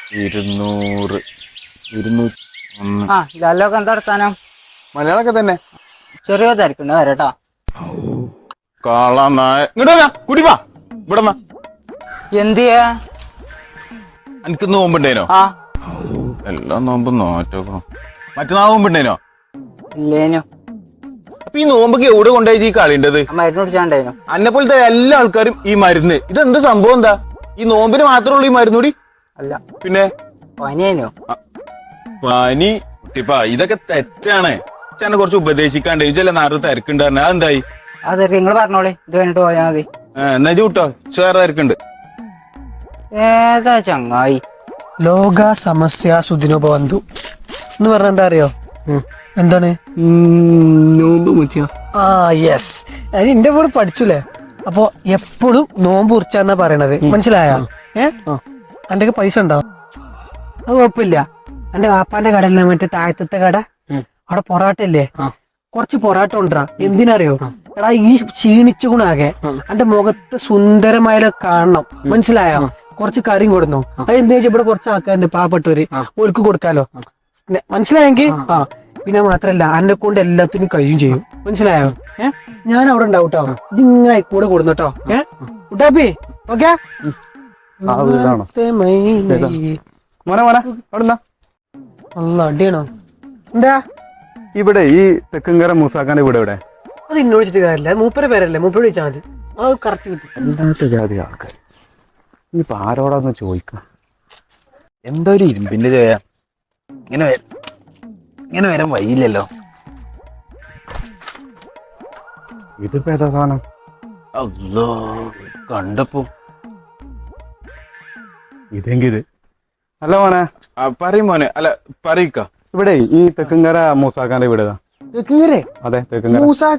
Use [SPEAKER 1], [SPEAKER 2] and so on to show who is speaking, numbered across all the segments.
[SPEAKER 1] 200 201.
[SPEAKER 2] ലാലൊക്കെ എന്താ വർത്താനം?
[SPEAKER 1] മലയാളൊക്കെ തന്നെ.
[SPEAKER 2] ചെറിയ തിരക്കുണ്ട് വരട്ടാ.
[SPEAKER 1] കുടിപ്പാ ഇവിടെ
[SPEAKER 2] എന്തിയാ?
[SPEAKER 1] എനിക്ക് നോമ്പുണ്ടേനോ? എല്ലാം നോമ്പും നോറ്റോക്കണം. മറ്റന്നാൾ നോമ്പുണ്ടേനോ?
[SPEAKER 2] ഇല്ലേനു.
[SPEAKER 1] അപ്പൊ ഈ നോമ്പൊക്കെ എവിടെ കൊണ്ടുപോയി ഈ കളിണ്ടത്?
[SPEAKER 2] മരുന്ന് കുടിച്ചാണ്ടേനു.
[SPEAKER 1] അന്നെ പോലത്തെ എല്ലാ ആൾക്കാരും ഈ മരുന്ന് ഇതെന്ത് സംഭവം? എന്താ ഈ നോമ്പിന് മാത്രമേ ഉള്ളൂ ഈ മരുന്ന് കൂടി?
[SPEAKER 2] അല്ല
[SPEAKER 1] പിന്നെ
[SPEAKER 2] പനിയേനു.
[SPEAKER 1] പനി കുട്ടിപ്പാ, ഇതൊക്കെ തെറ്റാണ്. ചേട്ടനെ കുറച്ച് ഉപദേശിക്കാണ്ട് ഇതല്ല നേരത്തെ തിരക്കുണ്ട് പറഞ്ഞ അതെന്തായി?
[SPEAKER 2] അതെ നിങ്ങള് പറഞ്ഞോളി, ഇത് കഴിഞ്ഞിട്ട് പോയാ മതി.
[SPEAKER 1] എന്നാ കൂട്ടോ വേറെ തിരക്കുണ്ട്.
[SPEAKER 2] ഏതാ ചങ്ങായി?
[SPEAKER 3] ലോക സമസ്യ സുദിനോപവന്തു എന്ന് പറഞ്ഞ എന്താ അറിയോ? എന്താണ്?
[SPEAKER 2] നോമ്പ് മുറിച്ച.
[SPEAKER 3] യെസ്, അത് എന്റെ കൂടെ പഠിച്ചുല്ലേ. അപ്പൊ എപ്പോഴും നോമ്പ് കുറിച്ചാന്നാ പറയണത്, മനസ്സിലായ? എന്റെ പൈസ ഉണ്ടോ? അത് കുഴപ്പമില്ല. എന്റെ വാപ്പാന്റെ കടയിലെ മറ്റേ താഴത്തെ കട, അവിടെ പൊറാട്ട ഇല്ലേ? കുറച്ച് പൊറാട്ട കൊണ്ടുവരാ. എന്തിനറിയോ? എടാ ഈ ക്ഷീണിച്ചുകൊണ്ടാകെ എന്റെ മുഖത്ത് സുന്ദരമായ കാണണം, മനസ്സിലായോ? കുറച്ച് കറിയും കൊടുന്നു. അത് എന്താ വെച്ചാൽ ഇവിടെ കുറച്ച് ആൾക്കാരുണ്ട് പാവപ്പെട്ടവര്, ഓർക്ക് കൊടുക്കാലോ, മനസ്സിലായെങ്കിൽ. പിന്നെ മാത്രല്ല എന്നെ കൊണ്ട് എല്ലാത്തിനും കഴിയും ചെയ്യും, മനസ്സിലായോ? ഞാൻ അവിടെ ഉണ്ടാവും കേട്ടോ. ഇതിങ്ങനെ കൂടെ കൊടുന്നോട്ടോ. ഉട്ടാപ്പി ഓക്കെ. അടിയാണോ? എന്താ
[SPEAKER 4] ഇവിടെ ഈ തെക്കുംകര മൂസാക്കാന്റെ വീട് എവിടെ?
[SPEAKER 3] അത് ഇന്നോട് വെച്ചിട്ട് കാര്യമില്ല, മൂപ്പരെ പേരല്ലേ, മൂപ്പരോട് ചോദിച്ചാൽ മതി. അത് കറക്റ്റ് കിട്ടും.
[SPEAKER 4] എന്താത്ത ജാതി ആൾക്കാർ ഇനിയിപ്പോ ആരോടാന്ന് ചോദിക്കാം.
[SPEAKER 1] എന്താ ഒരു ഇരുമ്പിന്റെ ചോയ? ഇങ്ങനെ വരാൻ വയ്യില്ലല്ലോ.
[SPEAKER 4] ഇതിപ്പോ ഏതാ സാധനം?
[SPEAKER 1] അല്ലോ കണ്ടപ്പോ
[SPEAKER 4] ഇതെങ്കിത് അല്ല മോനെ.
[SPEAKER 1] പറയും മോനെ. അല്ല പറയിക്ക.
[SPEAKER 4] ഇവിടെ ഈ തെക്കുംകര മൂസാക്കാന്റെ വീട് ഏതാ? അതെ തെക്കുംകര.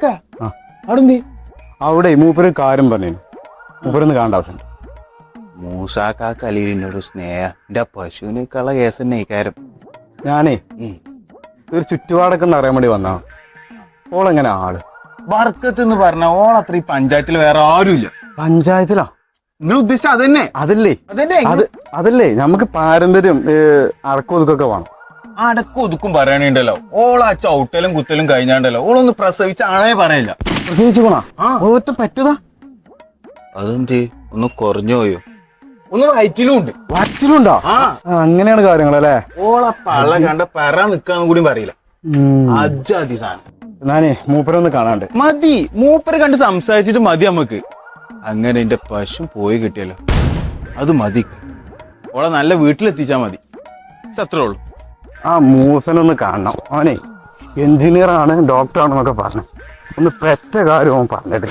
[SPEAKER 4] അവിടെ മൂപ്പര് കാര്യം പറഞ്ഞു. മൂപ്പരൊന്ന് കാണേണ്ട ആവശ്യമുണ്ട്.
[SPEAKER 1] മൂസാക്കാക്ക് അലീലിനോട് സ്നേഹ എന്റെ പശുവിനേക്കുള്ള കേസ് തന്നെ കാര്യം.
[SPEAKER 4] ഞാനേ ഒരു ചുറ്റുപാടൊക്കെ ഒന്ന് അറിയാൻ വേണ്ടി വന്നാ. ഓളെങ്ങനെ ആള്?
[SPEAKER 1] ബർക്കത്ത് എന്ന് പറഞ്ഞ ഓളത്ര ഈ പഞ്ചായത്തിൽ വേറെ ആരുമില്ല.
[SPEAKER 4] പഞ്ചായത്തിലാ
[SPEAKER 1] നിങ്ങൾ ഉദ്ദേശിച്ച അതന്നെ?
[SPEAKER 4] അതല്ലേ നമുക്ക് പാരമ്പര്യം അടക്കൊതുക്കൊക്കെ വേണം.
[SPEAKER 1] അടക്കം ഒതുക്കും പറയണുണ്ടല്ലോ. ഓളാ ചവിട്ടലും കുത്തലും കഴിഞ്ഞാണ്ടല്ലോ ഓളൊന്ന് പ്രസവിച്ച ആണേ പറയില്ല.
[SPEAKER 4] പ്രസവിച്ചു പോണാ? ഓറ്റ പറ്റതാ?
[SPEAKER 1] അതെന്ത് ഒന്ന് കുറഞ്ഞു പോയോ? ഒന്ന് വയറ്റിലും ഉണ്ട്.
[SPEAKER 4] വയറ്റിലുണ്ടോ? അങ്ങനെയാണ് കാര്യങ്ങളല്ലേ?
[SPEAKER 1] ഓളെ പള്ള കണ്ട പറ നിക്കാന്ന് കൂടി പറയില്ല. അജാതി സാധനം.
[SPEAKER 4] ഞാനേ മൂപ്പരൊന്ന് കാണാണ്ട്.
[SPEAKER 1] മതി, മൂപ്പരെ കണ്ട് സംസാരിച്ചിട്ട് മതി നമുക്ക്. അങ്ങനെ എന്റെ പശു പോയി കിട്ടിയല്ലോ, അത് മതി. ഓളെ നല്ല വീട്ടിലെത്തിച്ചാ മതി, അത്രേ ഉള്ളൂ.
[SPEAKER 4] ആ മൂസനൊന്ന് കാണണം. അവനെ എഞ്ചിനീയർ ആണ്, ഡോക്ടറാണെന്നൊക്കെ പറഞ്ഞു. ഒന്ന് പെറ്റ കാര്യവും പറഞ്ഞിട്ട്.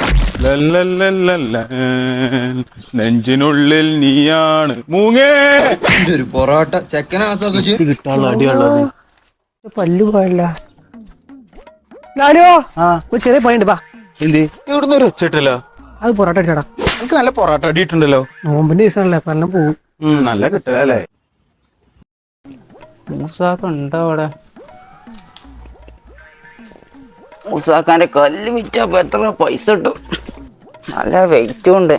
[SPEAKER 1] നെഞ്ചിനുള്ളിൽ നീയാണ് മൂങ്ങേ.
[SPEAKER 5] ഒരു പൊറോട്ട
[SPEAKER 1] കിട്ടാനുള്ള അടിയുള്ളത്.
[SPEAKER 3] പല്ലു പോയല്ല. ചെറിയ പണിയുണ്ട്, പാ.
[SPEAKER 1] എന്ത് ഇവിടുന്ന് ഒരു ഒച്ചിട്ടല്ലോ?
[SPEAKER 3] അത് പൊറോട്ട അടിച്ചാടാ.
[SPEAKER 1] എനിക്ക് നല്ല പൊറോട്ട അടിയിട്ടുണ്ടല്ലോ.
[SPEAKER 3] നോമ്പിന്റെ ദിവസമല്ലേ, പല്ലാം പോവും.
[SPEAKER 1] നല്ല കിട്ടലല്ലേ?
[SPEAKER 2] മൂസാക്കുണ്ടോ അവിടെ? മൂസാക്കാന്റെ കല്ല് വിറ്റപ്പോ എത്ര പൈസ കിട്ടും? നല്ല വെയിറ്റും ഉണ്ട്.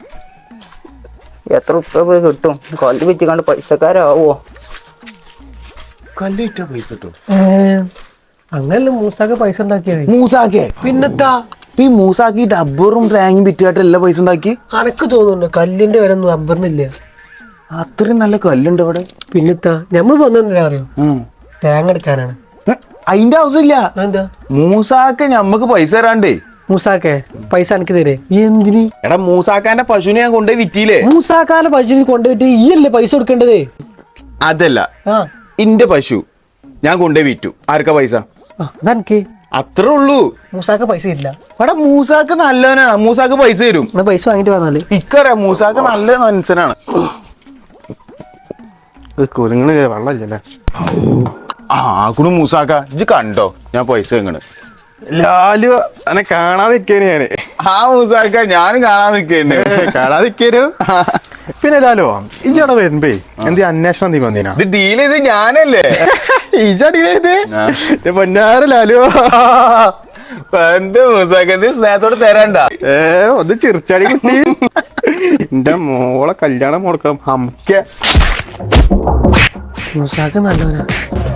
[SPEAKER 2] എത്ര ഉപ്പ പോയി കിട്ടും? കല്ല് വിറ്റിക്കാണ്ട് പൈസക്കാരാവോ?
[SPEAKER 1] കല്ല് വിറ്റാ പൈസ കിട്ടും?
[SPEAKER 3] അങ്ങനല്ല മൂസാക്ക് പൈസ ഉണ്ടാക്കിയത്.
[SPEAKER 1] മൂസാക്കേ?
[SPEAKER 3] പിന്നെത്താ
[SPEAKER 1] ഈ മൂസാക്കി ഡബ്ബറും തേങ്ങയും വിറ്റായിട്ട് എല്ലാ പൈസ ഉണ്ടാക്കി.
[SPEAKER 3] അനക്ക് തോന്നുന്നുണ്ട് കല്ലിന്റെ വില ഒന്നും റബ്ബറിനില്ല.
[SPEAKER 1] അത്രയും നല്ല കല്ലുണ്ട് ഇവിടെ.
[SPEAKER 3] പിന്നെത്താ നമ്മൾ വന്നെന്തിനാ അറിയോ? തേങ്ങ എടുക്കാനാണ്.
[SPEAKER 1] അതിന്റെ ആവശ്യമില്ല.
[SPEAKER 3] എന്താ
[SPEAKER 1] മൂസാക്ക ഞമ്മക്ക് പൈസ തരാണ്ടേ.
[SPEAKER 3] മൂസാക്കെ പൈസ എനിക്ക് തരേ?
[SPEAKER 1] എന്തിന്? എടാ മൂസാക്കാന്റെ പശുവിനെ ഞാൻ കൊണ്ടുപോയി വിറ്റിയില്ലേ?
[SPEAKER 3] മൂസാക്കാന്റെ പശുവിനെ കൊണ്ടുപോയിട്ട് ഈ അല്ലേ പൈസ കൊടുക്കേണ്ടത്?
[SPEAKER 1] അതല്ല, ഇന്റെ പശു ഞാൻ കൊണ്ടുപോയി വിറ്റു. ആർക്കാ പൈസ?
[SPEAKER 3] അതെനിക്ക്.
[SPEAKER 1] അത്രേ ഉള്ളൂ.
[SPEAKER 3] മൂസാക്ക പൈസ ഇല്ല.
[SPEAKER 1] എടാ മൂസാക്ക് നല്ലവനാ, മൂസാക്ക് പൈസ തരും.
[SPEAKER 3] പൈസ വാങ്ങിട്ട് വന്നാല്
[SPEAKER 1] ഇക്കറിയാം മൂസാക്ക് നല്ല മനുഷ്യനാണ്.
[SPEAKER 4] കുരുങ്ങള് വെള്ളല്ലേ?
[SPEAKER 1] കുണു മൂസാക്ക ഇജ്ജ് കണ്ടോ ഞാൻ പൈസ എങ്ങനെ?
[SPEAKER 4] ലാലു എന്നെ കാണാൻ നിക്കേന് ഞാന്.
[SPEAKER 1] മൂസാക്ക ഞാനും കാണാൻ നിൽക്കന്നെ.
[SPEAKER 4] കാണാൻ നിക്കേനു. പിന്നെ ലാലോ ഇജടെ വരുമ്പേ എന്ത് അന്വേഷണം നീ വന്നീനാ?
[SPEAKER 1] ഇത് ഡീൽ ചെയ്ത് ഞാനല്ലേ?
[SPEAKER 4] ഇജടീത് പൊന്നാര ലാലു.
[SPEAKER 1] എന്റെ മൂസാക്ക നീ സ്നേഹത്തോട് തരണ്ട.
[SPEAKER 4] ഒന്ന് ചിറിച്ചാടി കുട്ടി. എന്റെ മോളെ കല്യാണം മുടക്കണം.
[SPEAKER 3] മൂസാക്ക് നല്ലവനാ